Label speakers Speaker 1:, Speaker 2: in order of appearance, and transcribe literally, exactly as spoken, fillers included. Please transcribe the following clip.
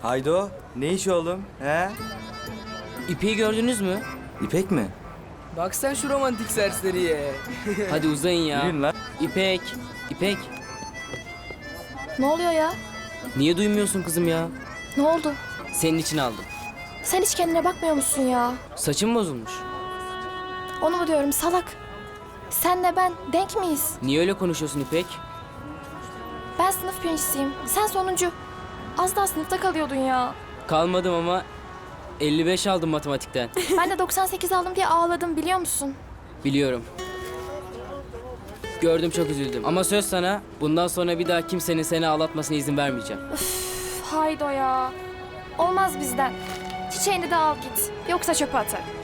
Speaker 1: Haydo, ne iş oğlum? He?
Speaker 2: İpek'i gördünüz mü?
Speaker 1: İpek mi?
Speaker 3: Bak sen şu romantik serseriye.
Speaker 2: Hadi uzayın ya.
Speaker 1: Yürüyün lan.
Speaker 2: İpek, İpek.
Speaker 4: Ne oluyor ya?
Speaker 2: Niye duymuyorsun kızım ya?
Speaker 4: Ne oldu?
Speaker 2: Senin için aldım.
Speaker 4: Sen hiç kendine bakmıyor musun ya?
Speaker 2: Saçın bozulmuş.
Speaker 4: Onu mu diyorum salak? Senle ben denk miyiz?
Speaker 2: Niye öyle konuşuyorsun İpek?
Speaker 4: Ben sınıf birincisiyim. Sen sonuncu. Az daha sınıfta kalıyordun ya.
Speaker 2: Kalmadım ama elli beş aldım matematikten.
Speaker 4: Ben de doksan sekiz aldım diye ağladım biliyor musun?
Speaker 2: Biliyorum. Gördüm, çok üzüldüm. Ama söz sana, bundan sonra bir daha kimsenin seni ağlatmasına izin vermeyeceğim.
Speaker 4: Üf, haydo ya. Olmaz bizden. Çiçeğini de al git. Yoksa çöpe atarım.